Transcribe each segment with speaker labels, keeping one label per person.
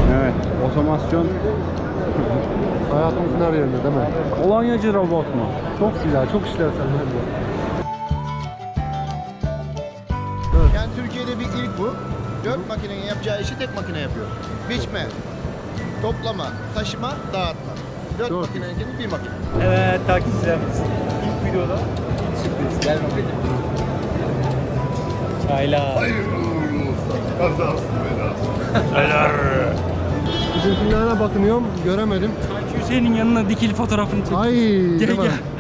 Speaker 1: Evet, otomasyon.
Speaker 2: Hayatımızın her yerinde değil mi?
Speaker 1: Kolonyacı robot mu?
Speaker 2: Çok güzel, çok işlevsel.
Speaker 3: Yani Türkiye'de bir ilk bu. 4 makinenin yapacağı işi tek makine yapıyor. Biçme, toplama, taşıma, dağıtma. 4
Speaker 2: Çok
Speaker 3: makinenin bir makine.
Speaker 4: Evet takipçilerimiz. İlk videoda sürpriz. Gel bakalım. Çaylar. Çaylar.
Speaker 2: Bizimkilerine bakınıyorum, göremedim.
Speaker 1: Sanki Hüseyin'in yanına dikili fotoğrafını çek.
Speaker 2: Ay,
Speaker 1: Gel.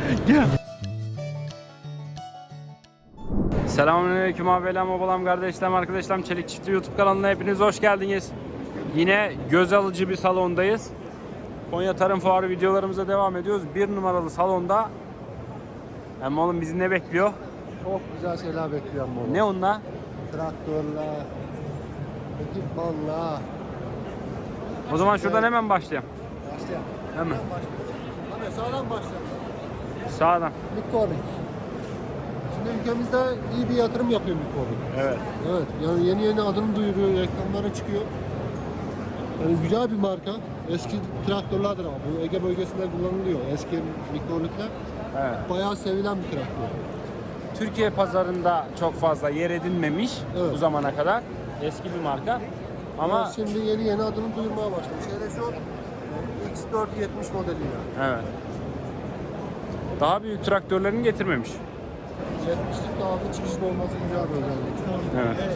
Speaker 1: Selamünaleyküm abilerim, babalarım, kardeşlerim, arkadaşlarım. Çelik Çiftliği YouTube kanalına hepiniz hoş geldiniz. Yine göz alıcı bir salondayız. Konya Tarım Fuarı videolarımıza devam ediyoruz. 1 numaralı salonda. Ama oğlum bizi ne bekliyor?
Speaker 2: Çok güzel şeyler bekliyorum bunu.
Speaker 1: Ne onunla?
Speaker 2: Traktörler, ekipmanlar.
Speaker 1: O zaman şuradan hemen başlayalım.
Speaker 2: Başlayalım.
Speaker 1: Hemen.
Speaker 2: Hadi sağdan başlayalım.
Speaker 1: Sağdan.
Speaker 2: Bitcoin. Şimdi ülkemizde iyi bir yatırım yapıyor Bitcoin.
Speaker 1: Evet.
Speaker 2: Evet, yani yeni adını duyuruyor, reklamlara çıkıyor. Yani güzel bir marka. Eski traktörlerdir ama bu Ege bölgesinde kullanılıyor. Eski mikrolikler.
Speaker 1: Evet.
Speaker 2: Bayağı sevilen bir traktör.
Speaker 1: Türkiye pazarında çok fazla yer edinmemiş
Speaker 2: Evet.
Speaker 1: bu zamana kadar. Eski bir marka. Ama
Speaker 2: Ama şimdi yeni adını duyurmaya başlamış. Hele şu X470 modeliyle.
Speaker 1: evet. Daha büyük traktörlerini getirmemiş.
Speaker 2: 70'lik daha bir çıkışlı olması güzel bir özellik.
Speaker 1: Evet.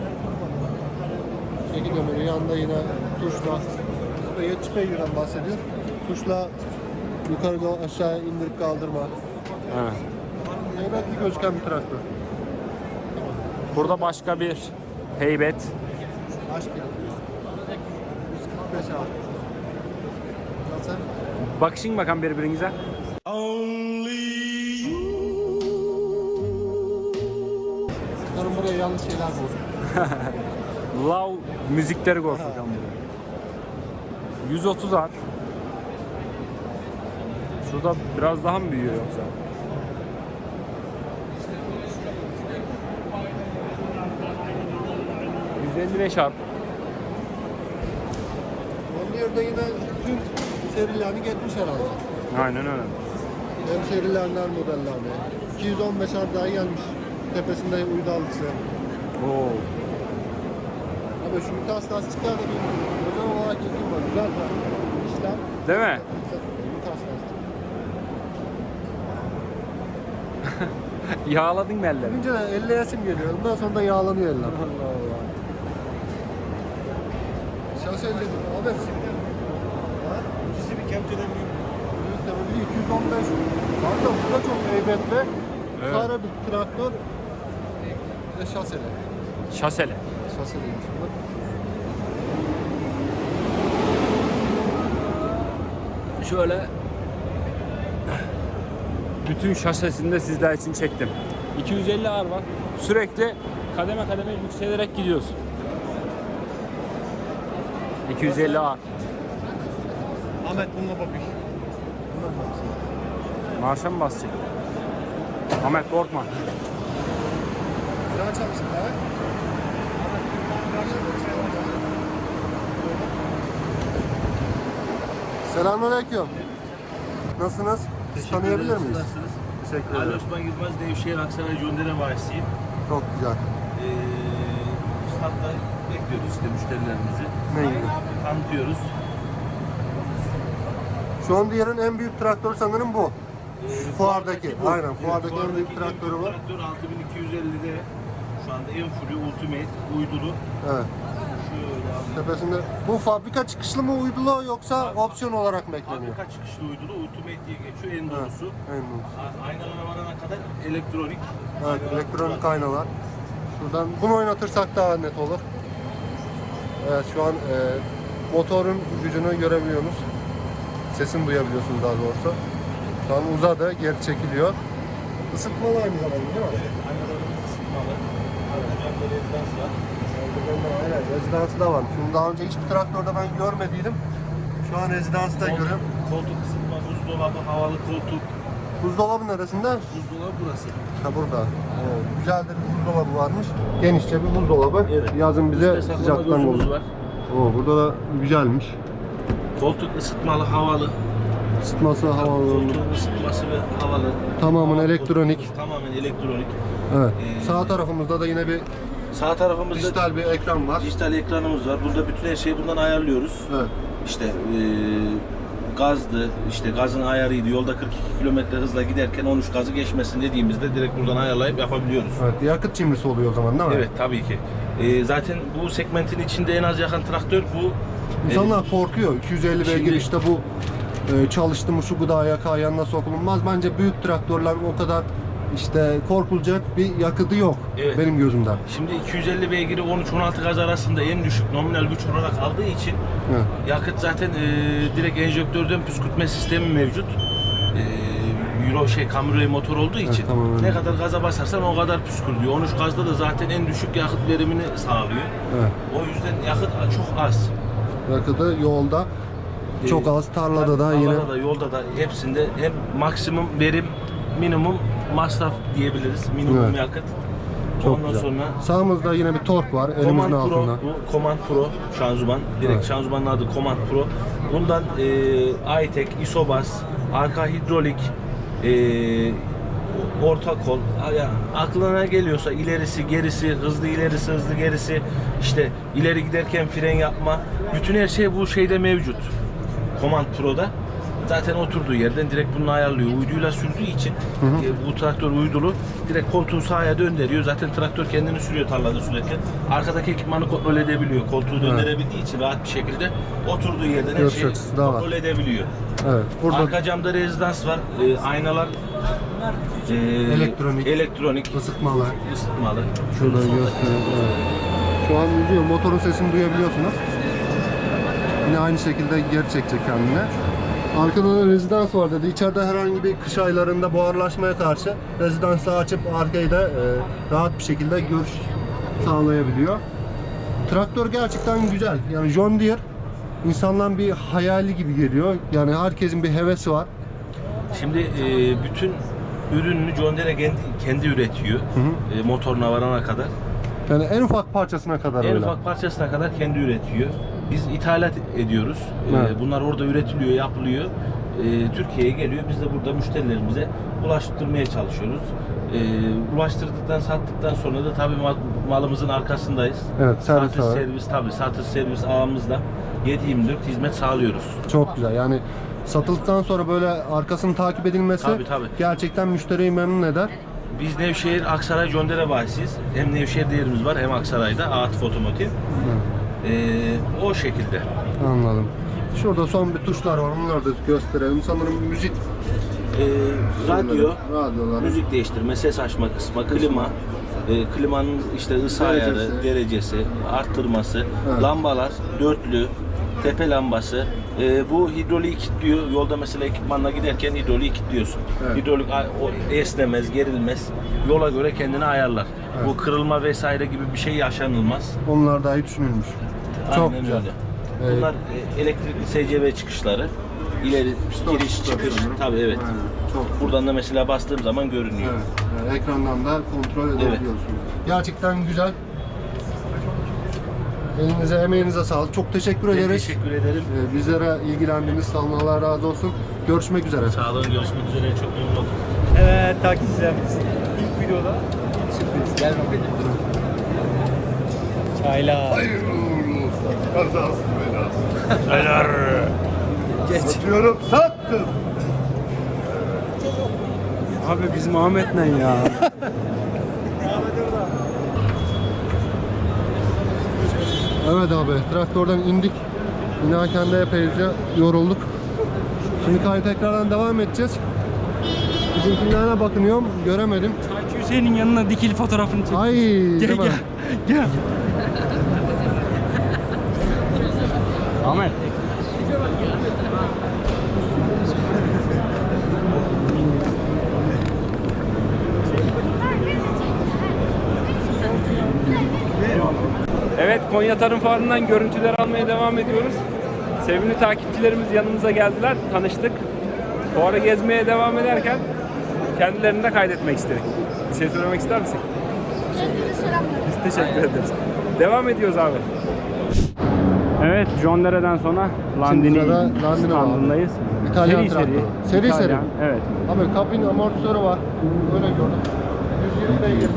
Speaker 2: Çeki demiri yanında yine tuşla. 70 beygirden bahsediyor. Tuşla yukarı aşağı indirip kaldırma.
Speaker 1: Evet.
Speaker 2: Heybetli gözüken bir traktör.
Speaker 1: Burada başka bir heybet.
Speaker 2: Aşk ya. 145 abi. Nasıl?
Speaker 1: Bakışın bakalım birbirinize.
Speaker 2: Sanırım buraya yanlış şeyler buldum.
Speaker 1: Love müzikleri korkacağım buraya. 130 ar. Şurada biraz daha mı büyüyor yoksa? ...155 ar.
Speaker 2: Onun yerde yine tüm serilerini geçmiş herhalde.
Speaker 1: Aynen öyle.
Speaker 2: Hem serilerler modellerine. 215 ar daha gelmiş. Tepesinde uydu alıcısı.
Speaker 1: Oo.
Speaker 2: Abi şu vites lastikler de bir özel olarak ilgim var. Güzel bir işlem.
Speaker 1: Değil mi?
Speaker 2: Vites lastik.
Speaker 1: Yağladın mı elleri?
Speaker 2: Önce elleyesim geliyor. Ondan sonra da yağlanıyor eller. Allah Allah. Şahsen dedim. Abi.
Speaker 4: İkisi bir kepçeden büyük.
Speaker 2: Büyük tabii 215. Hatta bu da çok heybetli.
Speaker 1: Evet.
Speaker 2: Kara bir traktör. Ve şaseli.
Speaker 1: Şaseli.
Speaker 2: Şaseliymiş bu.
Speaker 1: Şöyle bütün şasesini de sizler için çektim. 250 ağır var. Sürekli kademe kademe yükselerek gidiyoruz. 250 ağır.
Speaker 4: Ahmet bununla bakış.
Speaker 1: Marşa mı basacak? Ahmet korkma.
Speaker 2: Güzel çalıştın ha? Selamünaleyküm. Nasılsınız? Sizi tanıyabilir miyiz?
Speaker 5: Nasılsınız?
Speaker 2: Teşekkür
Speaker 5: Ali
Speaker 2: ederim.
Speaker 5: Osman Yılmaz, Nevşehir Aksaray Gönderen Vahisi'yim.
Speaker 2: Çok güzel.
Speaker 5: Standta bekliyoruz işte müşterilerimizi.
Speaker 2: Ne iyi.
Speaker 5: Tanıtıyoruz.
Speaker 2: Şu an diğerin en büyük traktörü sanırım bu. Fuardaki.
Speaker 5: Bu.
Speaker 2: Aynen. Fuardaki en büyük traktörü var.
Speaker 5: Traktör 6250'de şu anda en fullü Ultimate uydulu.
Speaker 2: Evet.
Speaker 5: Şöyle abi.
Speaker 2: Tepesinde. Bu fabrika çıkışlı mı uydulu yoksa opsiyon olarak mı ekleniyor?
Speaker 5: Fabrika çıkışlı uydulu Ultimate diye geçiyor en doğrusu.
Speaker 2: En doğrusu.
Speaker 5: Aynalara varana kadar elektronik.
Speaker 2: Evet, elektronik aynalar. Şuradan bunu oynatırsak daha net olur. Evet, şu an motorun gücünü görebiliyorsunuz. Sesini duyabiliyorsunuz daha doğrusu. Şu an uzadı, geri çekiliyor. Isıtmalı aynı zamanda değil mi?
Speaker 5: Aynalarımız ısıtmalı. Camda rezidans var.
Speaker 2: Evet, rezidansı da var. Şimdi daha önce hiçbir traktörde ben görmediydim. Şu an rezidansı da görüyorum.
Speaker 5: Koltuk ısıtma, buzdolabı, havalı koltuk.
Speaker 2: Buzdolabı neresinde?
Speaker 5: Buzdolabı burası.
Speaker 2: Ha burada. Evet, güzel de bir buzdolabı varmış. Genişçe bir buzdolabı.
Speaker 5: Evet.
Speaker 2: Yazın bize
Speaker 5: Üstte saklama
Speaker 2: sıcaktan
Speaker 5: gözümüz
Speaker 2: olur.
Speaker 5: var.
Speaker 2: Oo, burada da güzelmiş.
Speaker 5: Koltuk ısıtmalı, havalı.
Speaker 2: Isıtması havalı.
Speaker 5: Koltuğun ısıtması ve havalı.
Speaker 2: Tamamen elektronik.
Speaker 5: Tamamen elektronik.
Speaker 2: Evet. Sağ tarafımızda da yine bir
Speaker 5: Sağ tarafımızda
Speaker 2: dijital bir ekran var.
Speaker 5: dijital ekranımız var. Burada bütün her şeyi bundan ayarlıyoruz.
Speaker 2: Evet.
Speaker 5: İşte gazdı, işte gazın ayarıydı. Yolda 42 km hızla giderken 13 gazı geçmesin dediğimizde direkt buradan ayarlayıp yapabiliyoruz.
Speaker 2: Evet. Yakıt cimrisi oluyor o zaman değil mi?
Speaker 5: Evet, tabii ki. Zaten bu segmentin içinde en az yakan traktör bu.
Speaker 2: İnsanlar korkuyor. 250 beygir
Speaker 5: Şimdi-
Speaker 2: işte bu çalıştı mı şu gıda yakağı yanına sokulmaz. Bence büyük traktörler o kadar işte korkulacak bir yakıtı yok
Speaker 5: Evet.
Speaker 2: benim gözümden.
Speaker 5: Şimdi 250 beygiri 13-16 gaz arasında en düşük nominal güç olarak aldığı için
Speaker 2: Evet.
Speaker 5: yakıt zaten direkt enjektörden püskürtme sistemi mevcut. Euro Camry motor olduğu için
Speaker 2: tamam, öyle.
Speaker 5: ne kadar gaza basarsan o kadar püskürtüyor. 13 gazda da zaten en düşük yakıt verimini sağlıyor.
Speaker 2: Evet.
Speaker 5: O yüzden yakıt çok az.
Speaker 2: Yakıtı yolda çok az, tarlada da
Speaker 5: Tarlada
Speaker 2: yine
Speaker 5: da, yolda da hepsinde hem maksimum verim, minimum masraf diyebiliriz. Minimum
Speaker 2: Evet.
Speaker 5: yakıt.
Speaker 2: çok
Speaker 5: Ondan
Speaker 2: güzel.
Speaker 5: sonra
Speaker 2: Sağımızda yine bir tork var elimizin
Speaker 5: Command Pro,
Speaker 2: altında.
Speaker 5: bu Command Pro şanzıman. Direkt
Speaker 2: Evet.
Speaker 5: şanzımanın adı Command Pro. Bundan iTech, Isobas, arka hidrolik, orta kol, ya aklına geliyorsa ilerisi, gerisi, hızlı ilerisi, hızlı gerisi, işte ileri giderken fren yapma, bütün her şey bu şeyde mevcut. Command Pro'da. Zaten oturduğu yerden direkt bunu ayarlıyor. Uyduyla sürdüğü için bu traktör uydulu. Direkt koltuğu sağa döndürüyor. Zaten traktör kendini sürüyor tarlada sürerken. Arkadaki ekipmanı kontrol edebiliyor. Koltuğu döndürebildiği için rahat bir şekilde oturduğu yerden her
Speaker 2: Görüş
Speaker 5: şeyi
Speaker 2: açısı da var.
Speaker 5: kontrol edebiliyor.
Speaker 2: Evet. Burada
Speaker 5: Arka camda rezidans var. Aynalar elektronik
Speaker 2: ısıtmalı.
Speaker 5: ısıtmalı.
Speaker 2: Şurada göstereyim. Evet. Şu an yüzüyor. Motorun sesini duyabiliyorsunuz. Yine aynı şekilde geri çekecek kendine. Arkada da rezidans var dedi. İçeride herhangi bir kış aylarında buharlaşmaya karşı rezidansı açıp arkayı da rahat bir şekilde görüş sağlayabiliyor. Traktör gerçekten güzel. Yani John Deere insanların bir hayali gibi geliyor. Yani herkesin bir hevesi var.
Speaker 5: Şimdi bütün ürününü John Deere kendi üretiyor. Motoruna varana kadar.
Speaker 2: Yani en ufak parçasına kadar
Speaker 5: En
Speaker 2: öyle.
Speaker 5: ufak parçasına kadar kendi üretiyor. Biz ithalat ediyoruz.
Speaker 2: Evet.
Speaker 5: Bunlar orada üretiliyor, yapılıyor. Türkiye'ye geliyor. Biz de burada müşterilerimize ulaştırmaya çalışıyoruz. Ulaştırdıktan, sattıktan sonra da tabii malımızın arkasındayız.
Speaker 2: Evet, servis var.
Speaker 5: Satış servis ağımızla 7/24 hizmet sağlıyoruz.
Speaker 2: Çok güzel. Yani satıldıktan sonra böyle arkasının takip edilmesi
Speaker 5: Tabii.
Speaker 2: gerçekten müşteriyi memnun eder.
Speaker 5: Biz Nevşehir, Aksaray, John Deere bahisiyiz. Hem Nevşehir değerimiz var hem Aksaray'da Atif Otomotiv. O şekilde.
Speaker 2: Anladım. Şurada son bir tuşlar var. Onları da gösterelim. Sanırım müzik
Speaker 5: Radyo,
Speaker 2: radyoları.
Speaker 5: müzik değiştirme, ses açma kısmı, klima, klimanın işte ısı
Speaker 2: Derecesi.
Speaker 5: ayarı, derecesi, arttırması,
Speaker 2: Evet.
Speaker 5: lambalar, dörtlü, tepe lambası. Bu hidroliği kilitliyor. Yolda mesela ekipmanla giderken hidroliği kilitliyorsun.
Speaker 2: Evet.
Speaker 5: Hidrolik o esnemez, gerilmez. Yola göre kendini ayarlar.
Speaker 2: Evet.
Speaker 5: Bu kırılma vesaire gibi bir şey yaşanılmaz.
Speaker 2: Onlar dahi düşünülmüş. Çok
Speaker 5: Aynen
Speaker 2: güzel.
Speaker 5: öyle. Bunlar elektrikli SCV çıkışları. İleri giriş çıkış. Tabii evet.
Speaker 2: Aynen. Çok
Speaker 5: Buradan da mesela bastığım zaman görünüyor.
Speaker 2: Evet. Ekrandan da kontrol edebiliyorsunuz. Gerçekten güzel. Elinize, emeğinize sağlık. Çok teşekkür
Speaker 5: Ben
Speaker 2: ederiz.
Speaker 5: teşekkür ederim.
Speaker 2: Bizlere ilgilendiğiniz sağ olun. Allah razı olsun. Görüşmek üzere.
Speaker 5: Sağ olun. Görüşmek üzere. Çok memnun oldum.
Speaker 4: Evet takipçilerimiz. İlk videoda ilk sürpriz. Gel bakalım. Çaylar.
Speaker 6: Hayırlı uğurlu olsun. Kazasız belasız.
Speaker 5: Neler?
Speaker 6: Satıyorum, sattım.
Speaker 1: Abi bizim Ahmet ne ya?
Speaker 2: Evet abi, traktörden indik. İnerken de epeyce yorulduk. Şimdi kayıt tekrardan devam edeceğiz. Bizimkilerine bakınıyorum, göremedim.
Speaker 1: Çaycı Hüseyin'in yanına dikili fotoğrafını çek.
Speaker 2: Ay,
Speaker 1: Gel
Speaker 2: değil mi?
Speaker 1: gel. Ahmet. Evet, Konya Tarım Fuarı'ndan görüntüler almaya devam ediyoruz. Sevimli takipçilerimiz yanımıza geldiler, tanıştık. Fuarı gezmeye devam ederken kendilerini de kaydetmek istedik. Bir şey söylemek ister misin? Biz teşekkür ederiz. Devam ediyoruz abi. Evet, John Deere'den sonra Landini
Speaker 2: sırada Landini var.
Speaker 1: standındayız.
Speaker 2: İtalyan traktörü. Seri
Speaker 1: İtalyan,
Speaker 2: seri.
Speaker 1: Evet.
Speaker 2: Abi kabin amortisörü var. Öyle gördüm. 120 beygir.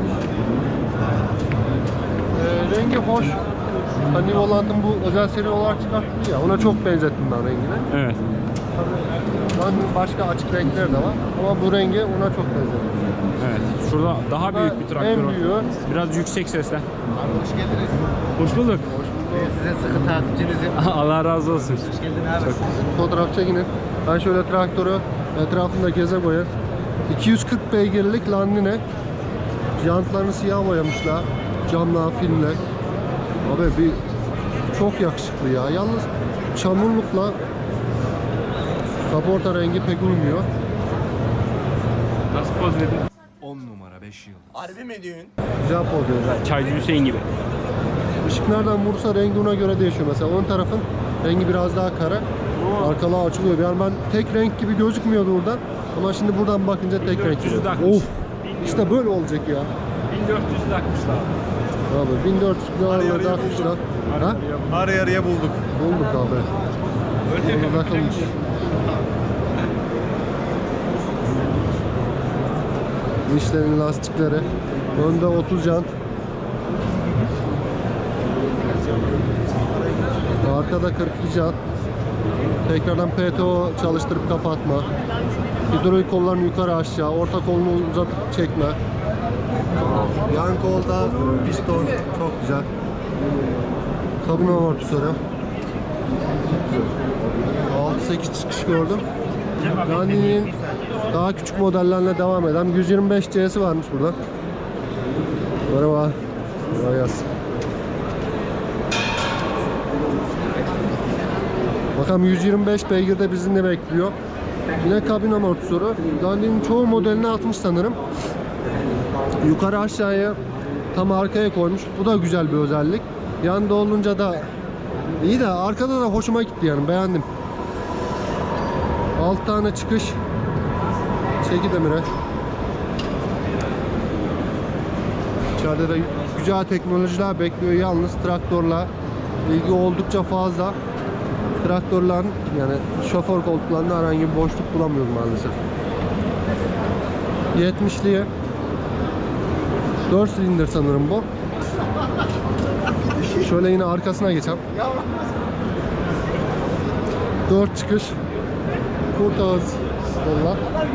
Speaker 2: Rengi hoş. Hani Volant'ın bu özel seri olarak çıkarttı ya. Ona çok benzettim ben rengine.
Speaker 1: Evet.
Speaker 2: Tabii başka açık renkler de var. Ama bu rengi ona çok benzettim.
Speaker 1: Evet. Şurada daha büyük bir traktör
Speaker 2: En
Speaker 1: var.
Speaker 2: büyüğü.
Speaker 1: Biraz yüksek sesle.
Speaker 3: Abi hoş geldiniz.
Speaker 1: Hoş bulduk.
Speaker 3: Size sıkı takipçinizim.
Speaker 1: Allah razı olsun.
Speaker 3: Hoş geldin abi.
Speaker 2: Fotoğraf çekinin. Ben şöyle traktörü etrafında geze koyayım. 240 beygirlik Landini. Jantlarını siyah boyamışlar. Camlar, filmler. Abi bir çok yakışıklı ya. Yalnız çamurlukla kaporta rengi pek uymuyor.
Speaker 1: Nasıl poz verdin?
Speaker 6: 10 numara 5 yıldız.
Speaker 3: Harbi mi diyorsun?
Speaker 2: Güzel poz veriyor.
Speaker 1: Çaycı Hüseyin gibi.
Speaker 2: Işık nereden vursa rengi ona göre değişiyor. Mesela ön tarafın rengi biraz daha kara. Arkalığa açılıyor. Yani ben tek renk gibi gözükmüyordu oradan. Ama şimdi buradan bakınca tek renk
Speaker 1: 1400
Speaker 2: gibi.
Speaker 1: takmış.
Speaker 2: Of! İşte böyle olacak ya.
Speaker 1: 1400 takmışlar.
Speaker 2: Abi 1400 liralarda takmışlar. Ha?
Speaker 6: Arı yarıya bulduk.
Speaker 2: Bulduk abi. Burada takılmış. Michelin lastikleri. Önde 30 jant. Arkada 42 jant. Tekrardan PTO çalıştırıp kapatma. Hidrolik kollarını yukarı aşağı, orta kolunu uzatıp çekme. Yan kolda piston çok güzel. Kabin amortisörü. 6-8 çıkış gördüm. Landini'nin daha küçük modellerle devam eden 125 C'si varmış burada. Merhaba. Kolay gelsin. Bakalım 125 beygirde bizi ne bekliyor. Yine kabin amortisörü. Landini'nin çoğu modelini atmış sanırım. Yukarı aşağıya tam arkaya koymuş. Bu da güzel bir özellik. Yanda olunca da iyi de arkada da hoşuma gitti yani beğendim. 6 tane çıkış. Çeki demire. İçeride de güzel teknolojiler bekliyor. Yalnız traktörle ilgi oldukça fazla. Traktörlerin yani şoför koltuklarında herhangi bir boşluk bulamıyoruz maalesef. 70'liye 4 silindir sanırım bu. Şöyle yine arkasına geçelim. 4 çıkış. Kurt ağız kolla.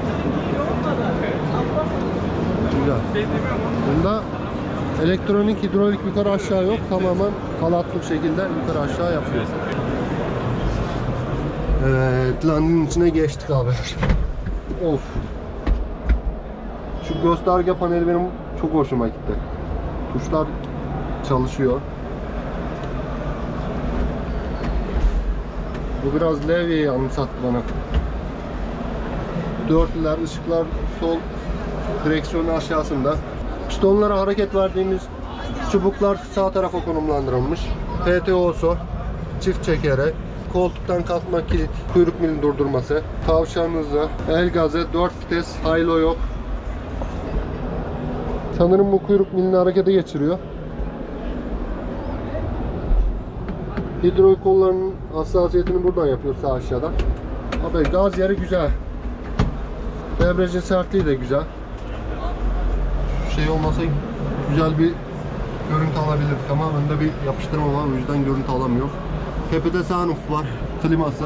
Speaker 2: Güzel. Bunda elektronik hidrolik yukarı aşağı yok. Tamamen halatlı bir şekilde yukarı aşağı yapıyor. Evet, Landini'nin içine geçtik abi. Of. Şu gösterge paneli benim çok hoşuma gitti. Tuşlar çalışıyor. Bu biraz levyeyi anımsattı bana. Dörtlüler, ışıklar sol direksiyonun aşağısında. Pistonlara hareket verdiğimiz çubuklar sağ tarafa konumlandırılmış. PTO'su, çift çekere, koltuktan kalkma kilit, kuyruk milini durdurması, tavşan hızı, el gazı, 4 vites, haylo yok. Sanırım bu kuyruk milini harekete geçiriyor. Hidrolik kollarının hassasiyetini buradan yapıyor sağ aşağıdan. Abi gaz yeri güzel. Debriyajın sertliği de güzel. Şey olmasa güzel bir görüntü alabilirdik ama önde bir yapıştırma var, o yüzden görüntü alamıyor. Tepede sunroof var, kliması.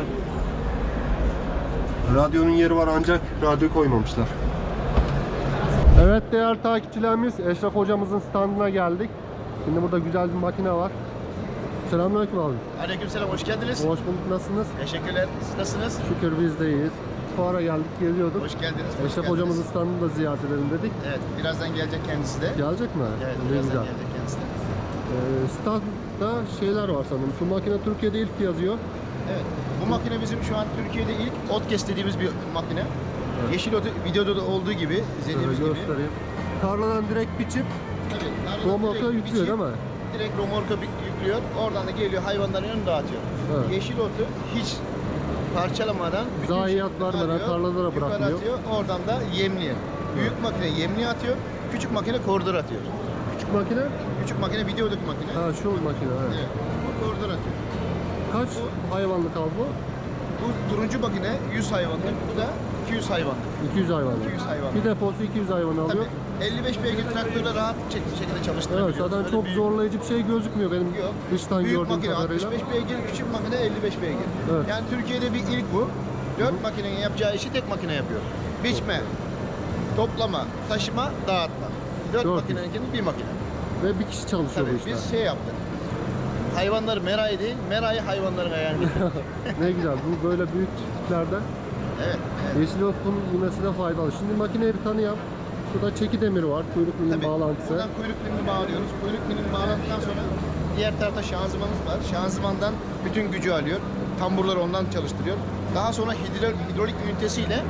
Speaker 2: Radyonun yeri var ancak radyo koymamışlar. Evet değerli takipçilerimiz, Eşref hocamızın standına geldik. Şimdi burada güzel bir makine var. Selamünaleyküm abi.
Speaker 3: Aleykümselam, hoş geldiniz.
Speaker 2: Hoş bulduk, nasılsınız?
Speaker 3: Teşekkürler. Siz nasılsınız?
Speaker 2: Şükür biz de iyiyiz. Fuara geldik, geziyorduk.
Speaker 3: Hoş geldiniz. hoş
Speaker 2: Eşref
Speaker 3: geldiniz.
Speaker 2: hocamızın standını da ziyaret edelim dedik.
Speaker 3: Evet, birazdan gelecek kendisi de.
Speaker 2: Gelecek mi?
Speaker 3: Evet,
Speaker 2: Ne
Speaker 3: birazdan
Speaker 2: güzel.
Speaker 3: gelecek kendisi de.
Speaker 2: Standda şeyler var sanırım. Şu makine Türkiye'de ilk yazıyor.
Speaker 3: Evet, bu makine bizim şu an Türkiye'de ilk Otkes dediğimiz bir makine. Yeşil otu videoda da olduğu gibi,
Speaker 2: Şöyle
Speaker 3: izlediğimiz gibi.
Speaker 2: göstereyim. Tarladan direkt biçip
Speaker 3: Tabii, tarladan
Speaker 2: romorka
Speaker 3: direkt
Speaker 2: yüklüyor
Speaker 3: biçip,
Speaker 2: değil mi?
Speaker 3: Direkt romorka yüklüyor. Oradan da geliyor hayvanların önüne dağıtıyor.
Speaker 2: Evet.
Speaker 3: Yeşil otu hiç parçalamadan bütün
Speaker 2: Zayiat
Speaker 3: şekilde
Speaker 2: vermeden
Speaker 3: alıyor,
Speaker 2: tarlalara
Speaker 3: yukarı
Speaker 2: bırakmıyor.
Speaker 3: atıyor. Oradan da yemliğe. Büyük makine yemliğe atıyor. Küçük makine koridor atıyor.
Speaker 2: Küçük makine.
Speaker 3: Küçük makine videodaki makine.
Speaker 2: Ha şu makine. Evet.
Speaker 3: Evet. O koridor atıyor.
Speaker 2: Kaç hayvanlık abi bu?
Speaker 3: Bu turuncu makine 100 hayvanlık, bu da 200 hayvanlık.
Speaker 2: 200 hayvanlık.
Speaker 3: 200 hayvanlık.
Speaker 2: Bir deposu 200 hayvan alıyor.
Speaker 3: Tabii 55 beygir traktörle rahat şekilde çalıştırabiliyoruz.
Speaker 2: Evet, zaten
Speaker 3: Öyle
Speaker 2: çok
Speaker 3: büyük-
Speaker 2: zorlayıcı bir şey gözükmüyor benim
Speaker 3: Yok.
Speaker 2: dıştan
Speaker 3: Büyük
Speaker 2: gördüğüm
Speaker 3: makine
Speaker 2: kadarıyla.
Speaker 3: 65 beygir, küçük makine 55 beygir.
Speaker 2: Evet.
Speaker 3: Yani Türkiye'de bir ilk bu. 4 makinenin yapacağı işi tek makine yapıyor. Biçme, toplama, taşıma, dağıtma. 4
Speaker 2: Dört.
Speaker 3: makineninkinin bir makine.
Speaker 2: Ve bir kişi çalışıyor
Speaker 3: Tabii
Speaker 2: bu işte.
Speaker 3: biz şey yaptık. Hayvanları merayı değil, merayı hayvanların ayağını getirdik.
Speaker 2: Ne güzel. Bu böyle büyük çiftliklerden
Speaker 3: Evet.
Speaker 2: yeşil otun yemesine faydalı. Şimdi makineyi bir tanıyalım. Şurada çeki demiri var. Kuyruk milin
Speaker 3: Tabii.
Speaker 2: bağlantısı.
Speaker 3: Buradan kuyruk pilini bağlıyoruz. Kuyruk pilini bağladıktan sonra diğer tarafta şanzımanımız var. Şanzımandan bütün gücü alıyor. Tamburları ondan çalıştırıyor. Daha sonra hidrolik ünitesiyle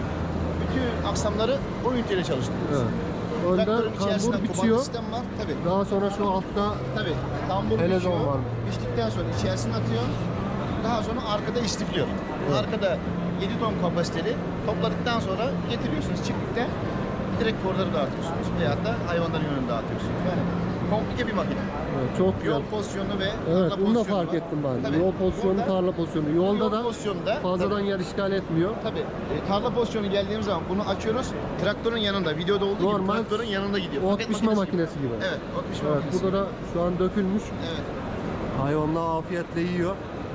Speaker 3: bütün aksamları o üniteyle çalıştırıyoruz.
Speaker 2: Evet. Önde
Speaker 3: Traktörün içerisinde
Speaker 2: kambur
Speaker 3: kumanda
Speaker 2: biçiyor.
Speaker 3: sistem var. Tabii.
Speaker 2: Daha sonra şu altta
Speaker 3: Tabii. Tambur
Speaker 2: Helezon
Speaker 3: biçiyor.
Speaker 2: var.
Speaker 3: Biçtikten sonra içerisine atıyor. Daha sonra arkada istifliyor. Arkada 7 ton kapasiteli topladıktan sonra getiriyorsunuz çiftlikte. Direkt korları dağıtıyorsunuz. Veyahut da hayvanların yönünü dağıtıyorsunuz. Yani komplike bir makine.
Speaker 2: evet, çok güzel.
Speaker 3: Yol pozisyonu ve
Speaker 2: Evet,
Speaker 3: tarla
Speaker 2: bunu da
Speaker 3: pozisyonu
Speaker 2: fark
Speaker 3: var.
Speaker 2: ettim ben.
Speaker 3: Tabii.
Speaker 2: Yol pozisyonu,
Speaker 3: Burada
Speaker 2: tarla pozisyonu. Yolda
Speaker 3: yol
Speaker 2: da
Speaker 3: pozisyonunda
Speaker 2: fazladan yer işgal etmiyor.
Speaker 3: tabii tarla pozisyonu geldiğimiz zaman bunu açıyoruz. Traktörün yanında, videoda olduğu
Speaker 2: Normal
Speaker 3: gibi traktörün yanında gidiyor.
Speaker 2: ot
Speaker 3: Paket
Speaker 2: biçme
Speaker 3: makinesi
Speaker 2: makinesi gibi.
Speaker 3: Evet, ot biçme
Speaker 2: Evet,
Speaker 3: makinesi.
Speaker 2: burada da şu an dökülmüş.
Speaker 3: Evet.
Speaker 2: Hayvanlar afiyetle yiyor.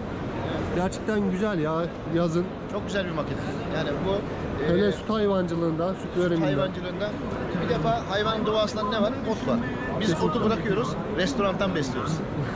Speaker 2: Gerçekten güzel ya yazın.
Speaker 3: Çok güzel bir makine. Yani bu
Speaker 2: Hele süt hayvancılığında, süt veriminde.
Speaker 3: hayvancılığında bir defa hayvanın doğasında ne var? Ot var. Biz otu bırakıyoruz, restorandan besliyoruz.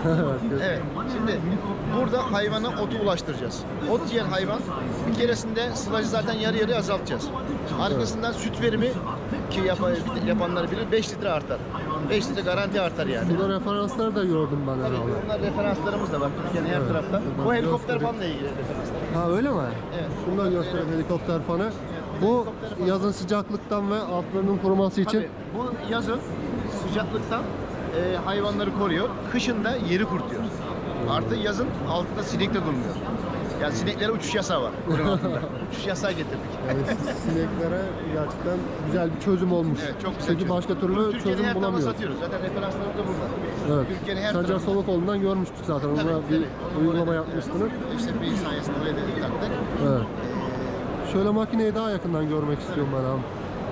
Speaker 3: Evet. Şimdi burada hayvana otu ulaştıracağız. Ot yiyen hayvan bir keresinde sılacı zaten yarı yarıya azaltacağız. Arkasından süt verimi ki yapanlar bilir 5 litre artar. 5 litre garanti artar yani.
Speaker 2: Burada referanslar da gördüm ben
Speaker 3: Tabii
Speaker 2: herhalde.
Speaker 3: bunlar referanslarımız da var Türkiye'nin her
Speaker 2: Evet.
Speaker 3: tarafta.
Speaker 2: Buradan
Speaker 3: Bu helikopter
Speaker 2: göstereyim.
Speaker 3: fanla ilgili referanslar.
Speaker 2: Ha öyle mi?
Speaker 3: Evet.
Speaker 2: Şunu da göstereyim helikopter fanı. Bu yazın sıcaklıktan ve altlarının kuruması için
Speaker 3: Tabii bu yazın sıcaklıktan hayvanları koruyor. Kışın da yeri kurtuyor. Artı yazın altında sinek de durmuyor. Yani sineklere uçuş yasağı var. Bunun altında. Uçuş yasağı getirdik.
Speaker 2: yani sineklere gerçekten güzel bir çözüm olmuş.
Speaker 3: Evet, çok güzel
Speaker 2: Çünkü
Speaker 3: çözüm.
Speaker 2: başka
Speaker 3: Bunu
Speaker 2: türlü
Speaker 3: Türkiye'nin
Speaker 2: çözüm
Speaker 3: her tarafında
Speaker 2: bulamıyoruz.
Speaker 3: satıyoruz. Zaten referanslarımız da burada.
Speaker 2: Evet.
Speaker 3: Türkiye'nin her
Speaker 2: Sancar
Speaker 3: tarafında.
Speaker 2: Solukoğlu'ndan görmüştük zaten.
Speaker 3: Tabii,
Speaker 2: Ona bir
Speaker 3: tabii. Onu
Speaker 2: uygulama
Speaker 3: oraya-
Speaker 2: yapmıştınız.
Speaker 3: İşte bir sayesinde oraya da taktık.
Speaker 2: Evet. Şöyle makineyi daha yakından görmek istiyorum ben abi.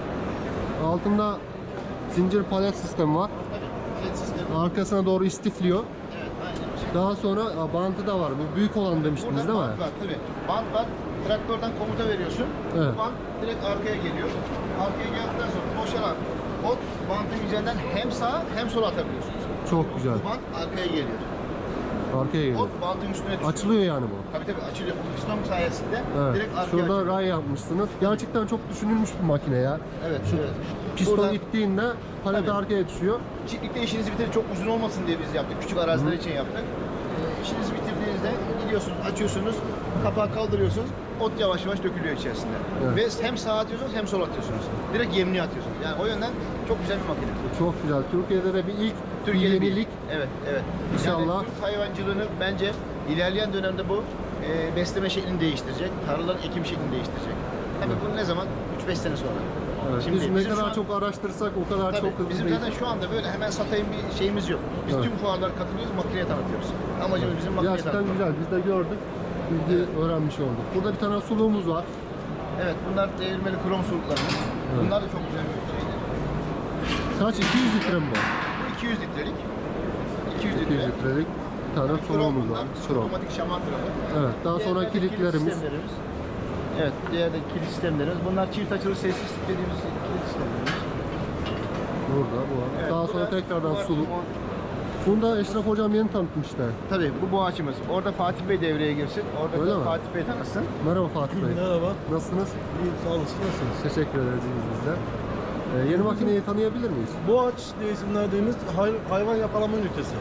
Speaker 2: Altında zincir palet sistemi var.
Speaker 3: Tabii. Jet sistemi.
Speaker 2: Arkasına doğru istifliyor.
Speaker 3: Evet, aynen bu şekilde.
Speaker 2: Daha sonra bantı da var. Bu büyük olan demiştiniz
Speaker 3: Burada
Speaker 2: değil mi?
Speaker 3: bant var tabii. Bant var. Traktörden komuta veriyorsun.
Speaker 2: Evet.
Speaker 3: Bu bant direkt arkaya geliyor. Arkaya geldikten sonra boşalan ot bantın üzerinden hem sağa hem sola atabiliyorsunuz.
Speaker 2: Çok güzel.
Speaker 3: Bu bant arkaya geliyor.
Speaker 2: Arkaya geliyor.
Speaker 3: Ot bantın üstüne düşüyor.
Speaker 2: Açılıyor yani bu.
Speaker 3: Tabii tabii açılıyor. Bu piston sayesinde
Speaker 2: Evet.
Speaker 3: direkt arkaya
Speaker 2: Şurada
Speaker 3: açılıyor.
Speaker 2: ray yapmışsınız. Gerçekten çok düşünülmüş bir makine ya.
Speaker 3: Evet,
Speaker 2: Şu
Speaker 3: evet.
Speaker 2: piston
Speaker 3: Buradan-
Speaker 2: ittiğinde palet
Speaker 3: Tabii.
Speaker 2: arkaya düşüyor.
Speaker 3: Çiftlikte işinizi bitirir çok uzun olmasın diye biz yaptık. Küçük araziler için yaptık. İşinizi bitirdiğinizde gidiyorsunuz, açıyorsunuz, kapağı kaldırıyorsunuz. Ot yavaş yavaş dökülüyor içerisinde.
Speaker 2: Evet.
Speaker 3: Ve hem sağa atıyorsunuz hem sola atıyorsunuz. Direkt yemliğe atıyorsunuz. Yani o yönden çok güzel bir makine.
Speaker 2: Çok güzel. Türkiye'de de bir ilk
Speaker 3: Türkiye'de
Speaker 2: bir yenilik.
Speaker 3: Evet, evet.
Speaker 2: İnşallah.
Speaker 3: Yani Türk hayvancılığını bence ilerleyen dönemde bu besleme şeklini değiştirecek. Tarlaların ekim şeklini değiştirecek. Tabii bunu ne zaman? 3-5 sene sonra.
Speaker 2: Evet.
Speaker 3: Şimdi
Speaker 2: Biz ne
Speaker 3: bizim şu
Speaker 2: kadar
Speaker 3: an-
Speaker 2: çok araştırsak o kadar
Speaker 3: Tabii,
Speaker 2: çok hızlı
Speaker 3: bizim
Speaker 2: değil.
Speaker 3: zaten şu anda böyle hemen satayım bir şeyimiz yok. Biz
Speaker 2: Evet.
Speaker 3: tüm fuarlara katılıyoruz, makineye tanıtıyoruz. Amacımız bizim makineye
Speaker 2: Gerçekten
Speaker 3: tanıtmak.
Speaker 2: güzel. Biz de gördük. Bilgi öğrenmiş olduk. Burada bir tane suluğumuz var.
Speaker 3: Evet, bunlar değirmeli krom suluklarımız. Bunlar da çok güzel bir şeydir.
Speaker 2: Kaç? 200 litre mi bu?
Speaker 3: Bu 200 litrelik. 200
Speaker 2: 200
Speaker 3: litre.
Speaker 2: litrelik bir tane
Speaker 3: Krom
Speaker 2: suluğumuz
Speaker 3: bunlar.
Speaker 2: var. Krom.
Speaker 3: Otomatik şaman kramı.
Speaker 2: Evet. Daha sonra
Speaker 3: Diğerleri de kilit
Speaker 2: kilitlerimiz.
Speaker 3: sistemlerimiz. Evet, diğer de kilit sistemlerimiz. Bunlar çift açılı sessiz dediğimiz kilit sistemlerimiz.
Speaker 2: Burada bu var.
Speaker 3: Evet,
Speaker 2: Daha
Speaker 3: bu
Speaker 2: sonra
Speaker 3: da-
Speaker 2: tekrardan
Speaker 3: bu da-
Speaker 2: suluk. Bunu da Eşref Hocam yeni tanıtmıştı.
Speaker 3: Tabii bu boğaçımız. Orada Fatih Bey devreye girsin. Orada
Speaker 2: Öyle
Speaker 3: da
Speaker 2: mi?
Speaker 3: Fatih Bey tanısın.
Speaker 2: Merhaba Fatih Bey.
Speaker 4: Merhaba.
Speaker 2: Nasılsınız?
Speaker 4: İyiyim, sağ olasın. Nasılsınız?
Speaker 2: Teşekkür ederiz biz de. Yeni makineyi tanıyabilir miyiz?
Speaker 4: Boğaç diye isim verdiğimiz hayvan yakalama ünitesi.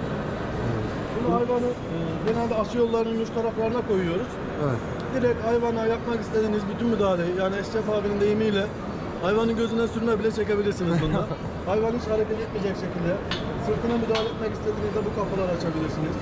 Speaker 4: Bunu hayvanı genelde aşı yollarının uç taraflarına koyuyoruz.
Speaker 2: Evet.
Speaker 4: Direkt hayvana yapmak istediğiniz bütün müdahaleyi, yani Eşref abinin deyimiyle hayvanın gözüne sürme bile çekebilirsiniz bunda. Hayvan hiç hareket etmeyecek şekilde sırtına müdahale etmek istediğinizde bu kapıları açabilirsiniz.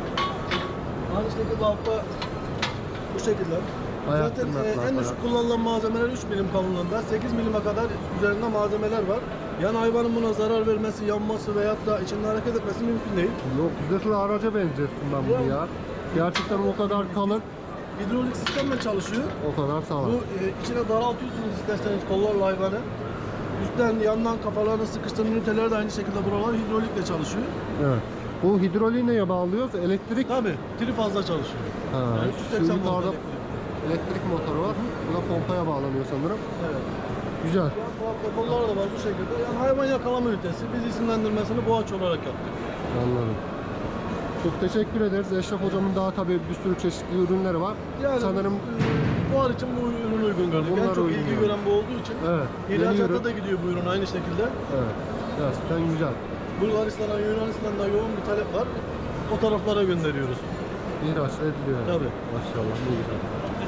Speaker 4: Aynı şekilde altta bu şekilde.
Speaker 2: Ayak
Speaker 4: Zaten
Speaker 2: tırnaklar
Speaker 4: en
Speaker 2: falan.
Speaker 4: düşük kullanılan malzemeler 3 milim kalınlığında, 8 milime kadar üzerinde malzemeler var. Yani hayvanın buna zarar vermesi, yanması veyahut da içinde hareket etmesi mümkün değil.
Speaker 2: Yok, zırhlı araca benzettim ben bunu ya. Gerçekten o kadar kalın,
Speaker 4: Hidrolik sistemle çalışıyor.
Speaker 2: o kadar sağlam.
Speaker 4: Bu içine daraltıyorsunuz isterseniz kollarla hayvanı. Üstten yandan kafalarını sıkıştıran üniteler de aynı şekilde buralar hidrolikle çalışıyor.
Speaker 2: Evet. Bu hidroliği neye bağlıyoruz? Elektrik.
Speaker 4: Tabii, tri fazla çalışıyor.
Speaker 2: Ha,
Speaker 4: Yani
Speaker 2: şu
Speaker 4: 380 volt
Speaker 2: yukarıda
Speaker 4: elektrik.
Speaker 2: elektrik motoru var. Bu da pompaya bağlanıyor sanırım.
Speaker 4: Evet.
Speaker 2: Güzel.
Speaker 4: Yan tarafta kollar da var bu şekilde. Yani hayvan yakalama ünitesi. Biz isimlendirmesini boğaç olarak yaptık.
Speaker 2: Anladım. Çok teşekkür ederiz. Eşref hocamın daha tabii bir sürü çeşitli ürünleri var.
Speaker 4: Yani
Speaker 2: Sanırım
Speaker 4: fuar için bu ürün uygun gördük.
Speaker 2: Bunlar
Speaker 4: En çok
Speaker 2: uygun
Speaker 4: ilgi
Speaker 2: gördük.
Speaker 4: gören bu olduğu için.
Speaker 2: evet. Yeni
Speaker 4: İhracata
Speaker 2: ürün.
Speaker 4: da gidiyor bu ürün aynı şekilde.
Speaker 2: Evet. Gerçekten güzel.
Speaker 4: Bulgaristan'a, Yunanistan'da yoğun bir talep var. O taraflara gönderiyoruz.
Speaker 2: İhraç ediliyor. yani.
Speaker 4: Tabii.
Speaker 2: Maşallah. Ne güzel.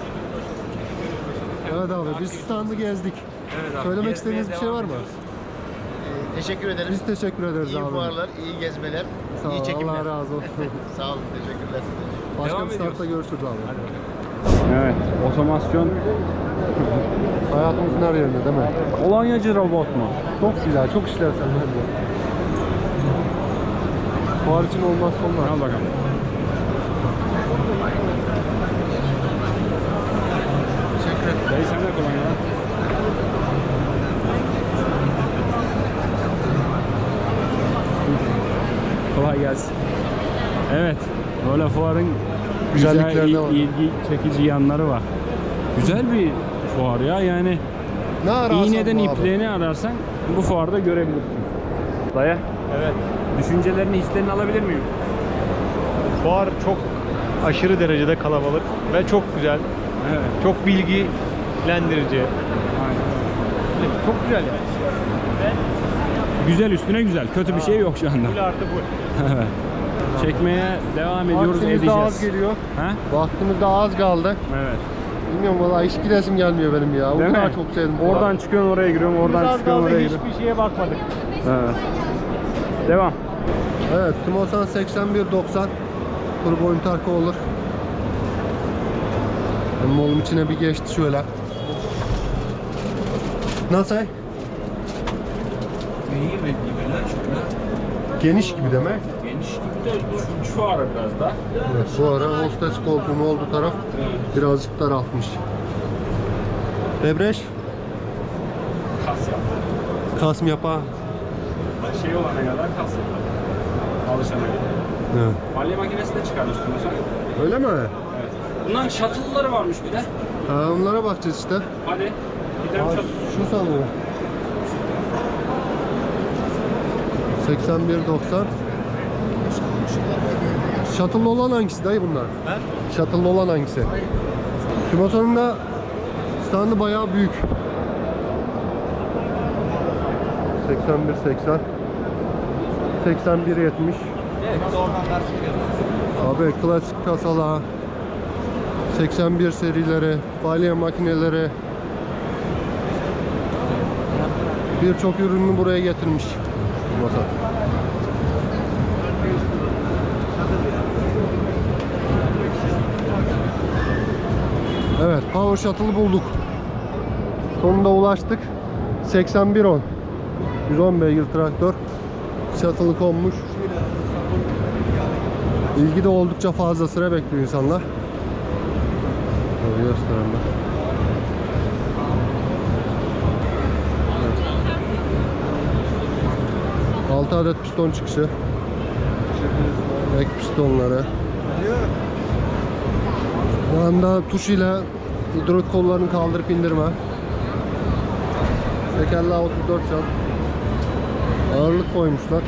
Speaker 2: Evet abi biz standı gezdik.
Speaker 1: Evet abi,
Speaker 2: Söylemek
Speaker 1: gezmeye
Speaker 2: istediğiniz bir şey
Speaker 1: devam
Speaker 2: var mı?
Speaker 1: ediyoruz.
Speaker 3: Teşekkür ederim.
Speaker 2: Biz teşekkür ederiz
Speaker 3: İyi
Speaker 2: abi.
Speaker 3: fuarlar, iyi gezmeler,
Speaker 2: Sağ ol,
Speaker 3: iyi çekimler.
Speaker 2: Allah razı olsun.
Speaker 3: Sağ olun, teşekkürler.
Speaker 2: Başka
Speaker 1: Devam
Speaker 2: bir standta
Speaker 1: ediyoruz.
Speaker 2: görüşürüz abi.
Speaker 1: Evet, otomasyon
Speaker 2: Hayatımızın her yerinde değil mi?
Speaker 1: kolonyacı robot mu?
Speaker 2: Çok güzel, çok işlevsel. Fuar için olmazsa olmaz.
Speaker 1: Al bakalım.
Speaker 2: Teşekkür ederim.
Speaker 1: Dayı sen de kolonya lan. Kolay gelsin. Evet, böyle fuarın güzel,
Speaker 2: Güzellikleri de var.
Speaker 1: ilgi çekici yanları var. Güzel bir fuar ya, yani
Speaker 2: Ne ararsan
Speaker 1: iğneden
Speaker 2: bu abi.
Speaker 1: ipliğini ararsan bu fuarda görebilirsin. Daya,
Speaker 7: Evet.
Speaker 1: düşüncelerini, hislerini alabilir miyim?
Speaker 7: Fuar çok aşırı derecede kalabalık ve çok güzel.
Speaker 1: Evet,
Speaker 7: Çok bilgilendirici.
Speaker 1: aynen.
Speaker 7: Çok güzel yani.
Speaker 1: Güzel üstüne güzel, kötü bir şey yok şu anda.
Speaker 7: Full artı full.
Speaker 1: Evet. Çekmeye devam ediyoruz,
Speaker 2: Vaktimiz de az
Speaker 1: edeceğiz.
Speaker 2: geliyor.
Speaker 1: Ha?
Speaker 2: Vaktimiz de az kaldı.
Speaker 1: Evet.
Speaker 2: Bilmiyorum valla hiç gidesim gelmiyor benim ya. O
Speaker 1: Değil
Speaker 2: kadar
Speaker 1: mi?
Speaker 2: çok sevdim.
Speaker 1: Oradan çıkıyorsun oraya giriyorsun,
Speaker 7: Biz
Speaker 1: oradan
Speaker 7: az
Speaker 1: çıkıyorsun
Speaker 7: kaldı
Speaker 1: oraya giriyorsun.
Speaker 7: hiçbir şeye bakmadık.
Speaker 1: Evet. Devam.
Speaker 2: Evet, Timosan 8190 turbo interko olur. Benim oğlum içine bir geçti şöyle. Nasıl? Geniş gibi demek.
Speaker 1: Geniş gibi de üçüncü fuarı biraz da.
Speaker 2: Evet, bu ara hostes koltuğunun olduğu taraf birazcık daraltmış. Debreş,
Speaker 1: Kas yap.
Speaker 2: kasm yapa.
Speaker 1: Şey olana kadar kas yap. Alışana kadar.
Speaker 2: Evet.
Speaker 1: Balya makinesi de çıkarmış Timosan.
Speaker 2: Öyle mi?
Speaker 1: Evet. Bunların shuttle'ları varmış bir de.
Speaker 2: Ha, onlara bakacağız işte.
Speaker 1: Hadi. Gidelim
Speaker 2: Aa,
Speaker 1: shuttle.
Speaker 2: şu sanırım. 8190. Shuttle'lı olan hangisi dayı bunlar?
Speaker 7: He?
Speaker 2: Shuttle'lı olan hangisi? Timosan'ın da standı bayağı büyük. 8180. 8170. Abi klasik kasalar, 81 serileri, balya makineleri, birçok ürünü buraya getirmiş Timosan. Evet, Power Shuttle'ı bulduk. Sonunda ulaştık. 8110. 110 beygir traktör. Shuttle'ı konmuş. İlgi de oldukça fazla, sıra bekliyor insanlar. Şöyle göstereyim ben. Evet. 6 adet piston çıkışı. Ek pistonları. Bu anda tuş ile hidrolik kollarını kaldırıp indirme. Tekerleği 34 çap. Ağırlık koymuşlar.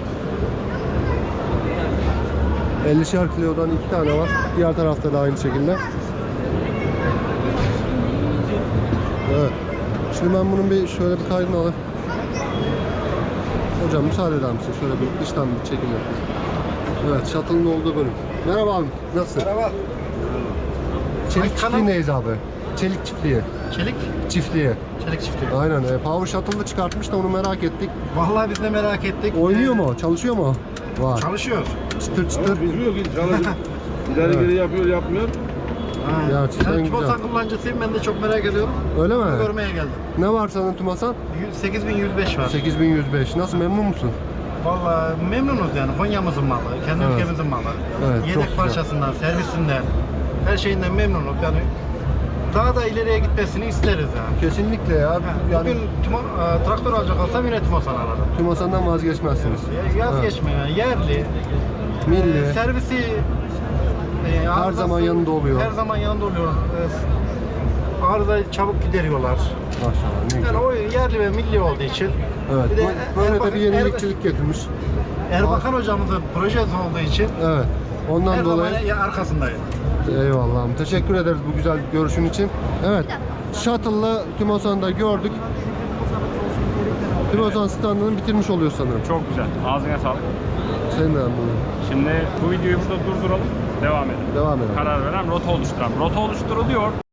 Speaker 2: 50'şer kilodan 2 tane var. Diğer tarafta da aynı şekilde. Evet. Şimdi ben bunun bir şöyle bir kaydını alayım. Hocam müsaade eder misin? Şöyle bir dıştan bir çekim yapayım. Evet, shuttle'ın olduğu bölüm. Merhaba abi, nasılsın?
Speaker 8: Merhaba.
Speaker 2: Çelik çiftliğindeyiz abi. Çelik çiftliği.
Speaker 8: Çelik,
Speaker 2: Çiftliği.
Speaker 8: çelik çiftliği.
Speaker 2: Aynen. Power Shuttle'da çıkartmış da onu merak ettik.
Speaker 8: Vallahi biz de merak ettik.
Speaker 2: Oynuyor mu? Çalışıyor mu? Var.
Speaker 8: Çalışıyor.
Speaker 2: Çıtır çıtır.
Speaker 6: Bilmiyor ki çalışıp ileri geri yapıyor yapmıyor.
Speaker 2: Gerçekten
Speaker 8: Ben
Speaker 2: güzel.
Speaker 8: Timosan kullanıcısıyım. Ben de çok merak ediyorum.
Speaker 2: Öyle mi?
Speaker 8: Bunu görmeye geldim.
Speaker 2: Ne var senin Tümasan?
Speaker 8: 8105 var.
Speaker 2: 8105. Nasıl, memnun musun?
Speaker 8: Vallahi memnunuz yani. Konya'mızın malı, kendi
Speaker 2: Evet.
Speaker 8: ülkemizin malı.
Speaker 2: Evet, çok
Speaker 8: Yedek
Speaker 2: güzel.
Speaker 8: parçasından, servisinden, her şeyinden memnunuz. Yani daha da ileriye gitmesini isteriz yani.
Speaker 2: Kesinlikle ya. Yani
Speaker 8: Bugün traktör alacak olsam yine Tümosan alırım.
Speaker 2: Tümosan'dan vazgeçmezsiniz.
Speaker 8: Yaz
Speaker 2: Evet.
Speaker 8: geçme yani. Yerli.
Speaker 2: Milli.
Speaker 8: Servisi
Speaker 2: Her zaman yanında oluyor.
Speaker 8: Her zaman yanında oluyor. Arızayı çabuk gideriyorlar.
Speaker 2: Maşallah ne güzel.
Speaker 8: Yani o yerli ve milli olduğu için.
Speaker 2: Evet.
Speaker 8: Bir de
Speaker 2: Böyle de bir yenilikçilik getirmiş.
Speaker 8: Erbakan hocamızın projesi olduğu için
Speaker 2: Evet. Ondan
Speaker 8: her
Speaker 2: dolayı
Speaker 8: zaman arkasındayım.
Speaker 2: eyvallah. Teşekkür ederiz bu güzel görüşün için. Evet. Shuttle'la Tümosan'da gördük. Tümosan standını bitirmiş oluyor sanırım.
Speaker 1: Çok güzel. Ağzına sağlık.
Speaker 2: Senin de anladın.
Speaker 1: Şimdi bu videoyu burada durduralım. Devam edelim.
Speaker 2: Devam edelim.
Speaker 1: Karar veren rota oluşturan. Rota oluşturuluyor.